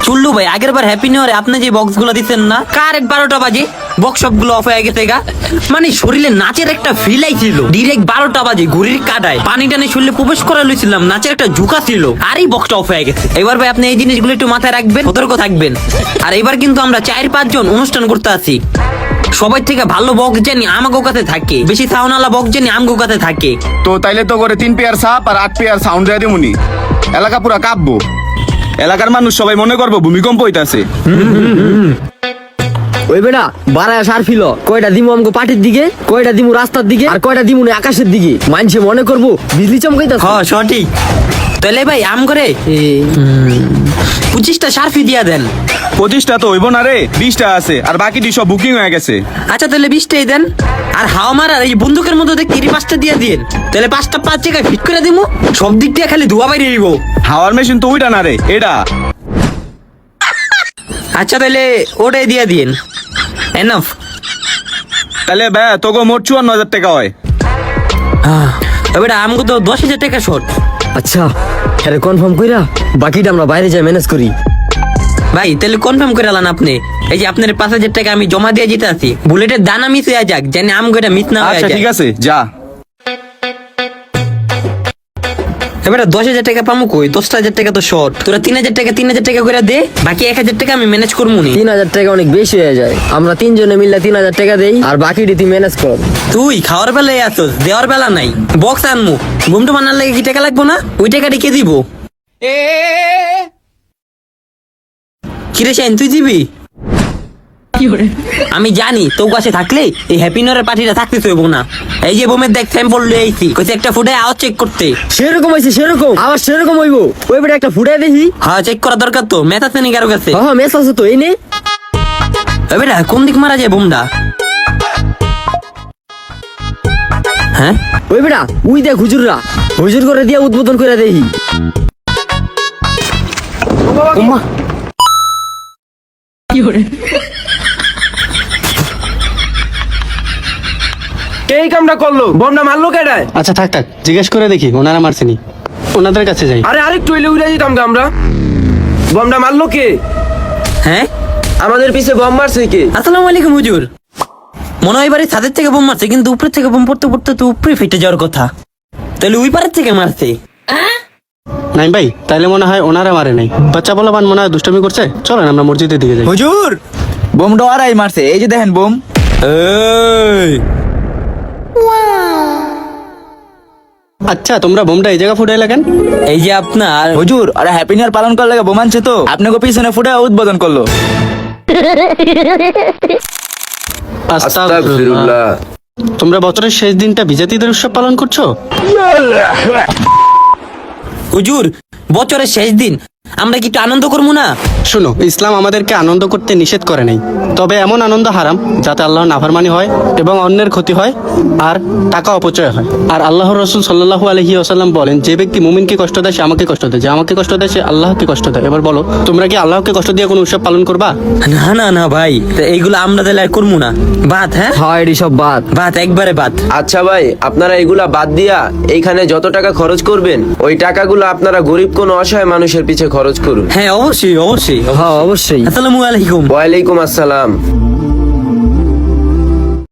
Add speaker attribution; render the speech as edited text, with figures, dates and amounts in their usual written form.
Speaker 1: শুনলু ভাই, আগের বার happy new ইয়ারে আপনি যে বক্স গুলো দিচ্ছেন না, কারেক্ট 12টা বাজে বক্স সব গুলো অফ হয়ে গেছে গা। মানে শরীরে নাচের একটা ফিল আইছিল। ডিরেক্ট 12টা বাজে ঘড়ির কাটায় পানি টানে শরীরে প্রবেশ করা লইছিলাম, নাচের একটা ঝুঁকা ছিল, আর এই বক্সটা অফ হয়ে গেছে। এবার ভাই আপনি এই জিনিসগুলো একটু মাথায় রাখবেন, সতর্ক থাকবেন। আর এবার কিন্তু আমরা 4-5 জন অনুষ্ঠান করতে আছি। সবাই থেকে ভালো বক্স জানি আমাগো কাছে থাকে, বেশি সাউন্ডওয়ালা বক্স জানি আমগো কাছে থাকে।
Speaker 2: তো তাইলে তো করে 3 পেয়ার সাপ আর 8 পেয়ার সাউন্ড দিয়ে দিমুনি, এলাকা পুরা কাঁপবো। এলাকার মানুষ সবাই মনে করবো ভূমিকম্প হইতাছে।
Speaker 3: ওই বেটা বারায় সার ফিল, কয়টা দিমু আমগো পাটির দিকে, কয়টা দিমু রাস্তার দিকে, আর কয়টা দিমু না আকাশের দিকে। মানুষে মনে করবো বিজলি চমকাইতাছে।
Speaker 1: হ্যাঁ সঠিক। তাহলে ভাই আম করে 25টা সার্ফি দিয়া দেন।
Speaker 2: 25টা তো হইব না রে, 20টা আছে, আর বাকিটি সব বুকিং হয়ে গেছে।
Speaker 1: আচ্ছা তাহলে 20টাই দেন। আর হাওয়া মারার এই বন্দুকের মধ্যে দেখি 5টা দিয়ে দিন, তাহলে 5টা 5 জায়গায় ফিট করে দিমু। সব দিক দিয়ে খালি ধোয়া বাইরে দিব।
Speaker 2: হাওয়ার মেশিন তো ওইটা না রে, এটা।
Speaker 1: আচ্ছা তাহলে ওটাই দিয়ে দিন, এনাফ।
Speaker 2: তাহলে ভাই তোকে মোট 54,000 টাকা হয়।
Speaker 1: এবার আমগো তো 10,000 টাকা শর্ট।
Speaker 3: আচ্ছা হ্যাঁ কনফার্ম কইরা বাকিটা আমরা বাইরে যাই ম্যানেজ করি।
Speaker 1: ভাই তাহলে কনফার্ম করে আলান আপনি। এই যে আপনার 5,000 টাকা আমি জমা দিয়ে যেতে আছি, বুলেটের দানা মিস হয়ে যাক, জানি আমগো এটা মিস না হয়ে
Speaker 2: আচ্ছা
Speaker 1: যায়।
Speaker 2: ঠিক আছে, যা।
Speaker 1: এবার 10,000 টাকা পামু কই? 10,000 টাকা তো শর্ট। তোরা 3,000 টাকা করে দে, বাকি 1,000 টাকা আমি ম্যানেজ করবো নি।
Speaker 3: 3,000 টাকা অনেক বেশি হয়ে যায়, আমরা 3 জনে মিললে 3,000 টাকা দেই, আর বাকিটি তুই ম্যানেজ কর।
Speaker 1: তুই খাওয়ার বেলায় আসোস, দেওয়ার বেলা নাই। বক্স আনমু, ঘুমটা বানার লাগে কি টাকা লাগবো না? ওই টাকাটি কে দিব? কিরে শাইন তুই দিবি? আমি জানি তোর কাছে থাকলে এই হ্যাপি নিউ ইয়ারের পার্টিটা থাকতে চাইবো না। এই যে বোমের দেখ স্যাম্পল লয়ে আইছি, কইছে একটা ফুটে আওয়াজ চেক করতে।
Speaker 3: সেরকম হইছে, সেরকম আবার সেরকম হইবো। ওই বেটা একটা ফুটাই দেখি।
Speaker 1: হ্যাঁ চেক করা দরকার তো, মেথ আছে নাকি কারো কাছে?
Speaker 3: হ্যাঁ মেস আছে তো, এই নে।
Speaker 1: ওই বেটা কোন দিক মারা যায় বোমটা? হ্যাঁ
Speaker 3: ওই বেটা উই দেখ হুজুররা, হুজুর করে দিয়া উদ্বোধন করে দেখি। ওমা
Speaker 4: এই কামটা করলো, বমটা মারলো কেডায়?
Speaker 5: আচ্ছা থাক থাক, জিজ্ঞেস করে দেখি ওনারা মারছেনি, ওনাদের কাছে যাই।
Speaker 4: আরে আরেকটু হইলে উড়ে যেতাম কে আমরা। বমটা মারলো কে?
Speaker 1: হ্যাঁ
Speaker 4: আমাদের পিছে বম মারছে কে?
Speaker 1: আসসালামু আলাইকুম হুজুর। মনে হয় এবারে ছাদের থেকে বোম মারছে, কিন্তু উপরের থেকে বোম পড়তে পড়তে তো উপরে ফেটে যাওয়ার কথা। তাহলে ওই পারের থেকে মারছে।
Speaker 5: নাই ভাই, তাইলে মনে হয় ওনারা মারে নাই, বাচ্চা বলা বান মনে হয় দুষ্টামি করছে। চলেন আমরা মসজিদের দিকে যাই।
Speaker 6: হুজুর বোমটা ওরাই মারছে, এই যে দেখেন বোম।
Speaker 5: আচ্ছা তোমরা বোমটা এই জায়গা ফুটাই লাগেন।
Speaker 1: এই যে আপনার
Speaker 6: হুজুর ওরা হ্যাপি নিউ ইয়ার পালন করার লাগে বোম আনছে, তো আপনাকে পিছনে ফুটে উদ্বোধন করলো।
Speaker 5: আস্তাগফিরুল্লাহ। তোমরা বছরের শেষ দিনটা বিজাতিদের উৎসব পালন করছো?
Speaker 1: হুজুর বছরের শেষ দিন আমরা কি একটু আনন্দ করবো না?
Speaker 5: শোনো, ইসলাম আমাদেরকে আনন্দ করতে নিষেধ করে নাই, তবে এমন আনন্দ হারাম যাতে আল্লাহর নাফরমানি হয় এবং অন্যের ক্ষতি হয় আর টাকা অপচয় হয়। আর আল্লাহর রাসূল সাল্লাল্লাহু আলাইহি ওয়াসাল্লাম বলেন, যে ব্যক্তি মুমিনকে কষ্ট দেয় সে আমাকে কষ্ট দেয়, যে আমাকে কষ্ট দেয় সে আল্লাহকে কষ্ট দেয়। এবার বলো, তোমরা কি আল্লাহকে কষ্ট দিয়ে কোনো উৎসব পালন করবা?
Speaker 1: না না না ভাই, তা এইগুলো আমরা তাহলে আর করবো না। বাদ, হ্যাঁ
Speaker 3: হ্যাঁ এটি সব বাদ।
Speaker 1: বাদ, একবারে বাদ।
Speaker 4: আচ্ছা ভাই, আপনারা এগুলা বাদ দিয়া এইখানে যত টাকা খরচ করবেন, ওই টাকাগুলো আপনারা গরিব কোন অসহায় মানুষের পিছে খরচ করুন।
Speaker 1: হ্যাঁ অবশ্যই অবশ্যই।
Speaker 3: হ্যাঁ অবশ্যই।
Speaker 1: আসসালামু আলাইকুম।
Speaker 4: ওয়ালাইকুম আসসালাম।